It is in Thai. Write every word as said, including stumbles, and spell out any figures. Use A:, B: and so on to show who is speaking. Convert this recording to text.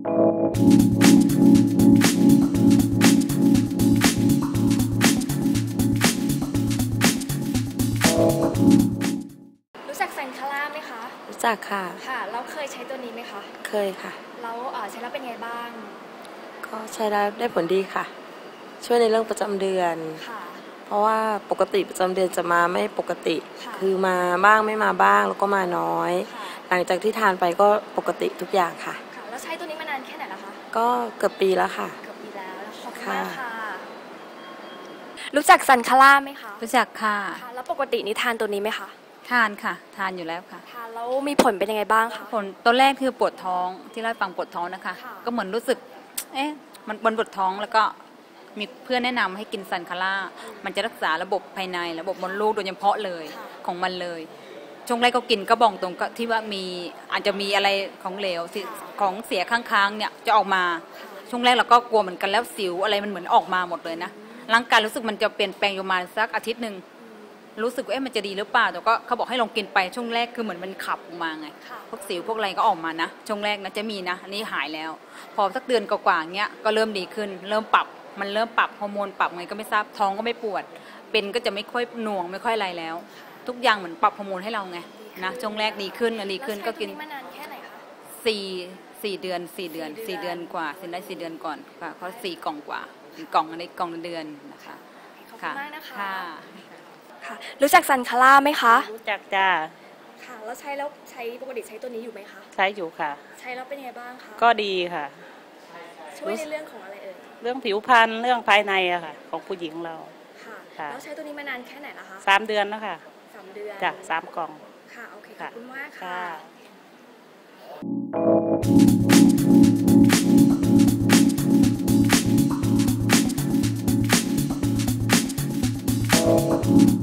A: รู้จักซันคาร่าไหมคะ
B: รู้จักค่ะ
A: ค่ะเราเคยใช้ตัวนี้ไหมคะ
B: เคยค่ะ
A: แล้วใช้แล้วเป็นไงบ้าง
B: ก็ใช้แล้วได้ผลดีค่ะช่วยในเรื่องประจำเดือน
A: ค่ะ
B: เพราะว่าปกติประจำเดือนจะมาไม่ปกติคือมาบ้างไม่มาบ้างแล้วก็มาน้อยหลังจากที่ทานไปก็ปกติทุกอย่างค่ะ
A: ค่ะแล้วใช้ตัวนี้มานานแค่ไหนแล้วคะ
B: ก็เกือบปีแล้วค่ะ
A: เกือบปีแล้วขอบคุณมากค่ะรู้จักซันคาร่าไหมคะ
C: รู้จักค่ะ
A: แล้วปกตินี่ทานตัวนี้ไหมคะ
C: ทานค่ะทานอยู่แล้วค่ะ
A: ทานแล้วมีผลเป็นยังไงบ้างคะ
C: ผลตอนแรกคือปวดท้องที่เล่าให้ฟังปวดท้องนะคะก็เหมือนรู้สึกเอ๊ะมันบนปวดท้องแล้วก็มีเพื่อนแนะนำให้กินซันคาร่ามันจะรักษาระบบภายในระบบมดลูกโดยเฉพาะเลยของมันเลยช่วงแรกก็กินก็บอกตรงก็ที่ว่ามีอาจจะมีอะไรของเหลวของเสียค้างๆเนี่ยจะออกมาช่วงแรกเราก็กลัวเหมือนกันแล้วสิวอะไรมันเหมือนออกมาหมดเลยนะร่างกายรู้สึกมันจะเปลี่ยนแปลงอยู่มาสักอาทิตย์หนึ่งรู้สึกว่าเอ๊ะมันจะดีหรือเปล่าแต่ก็เขาบอกให้ลองกินไปช่วงแรกคือเหมือนมันขับออกมาไงพวกสิวพวกอะไรก็ออกมานะช่วงแรกนะจะมีนะอันนี้หายแล้วพอสักเดือนกว่าๆเงี้ยก็เริ่มดีขึ้นเริ่มปรับมันเริ่มปรับฮอร์โมนปรับไงก็ไม่ทราบท้องก็ไม่ปวดเป็นก็จะไม่ค่อยหน่วงไม่ค่อยอะไรแล้วทุกอย่างเหมือนปรับฮอร์โมนให้เราไงนะช่วงแรกดีขึ้นดีขึ้นก็กิน
A: มานานแค่ไหนคะ
C: สี่สี่เดือนสี่เดือนสี่เดือนกว่าสินได้สี่เดือนก่อนค่ะเพราะสี่กล่องกว่ากล่องอันนี้กล่องเดือนนะคะ
A: ขอบคุณมากนะคะ
C: ค่ะ
A: ค่ะรู้จักซันคาร่าไหมคะ
D: รู้จักจ้า
A: ค่ะแล้วใช้แล้วใช้ปกติใช้ตัวนี้อยู่ไหมคะ
D: ใช้อยู่ค่ะ
A: ใช้แล้วเป็นยังไงบ้างคะ
D: ก็ดีค่ะ
A: ช่วยในเรื่องของอะไรเอ่ย
D: เรื่องผิวพรรณเรื่องภายในอะค่ะของผู้หญิงเรา
A: ค่ะแล้วใช้ตัวนี้มานานแค่ไหนล่ะคะ
D: สามเดือนแล้วค่ะ
A: สามเดือน
D: จ้ะสามกล่อง
A: ค่ะโอเคขอบคุณมากค่ะ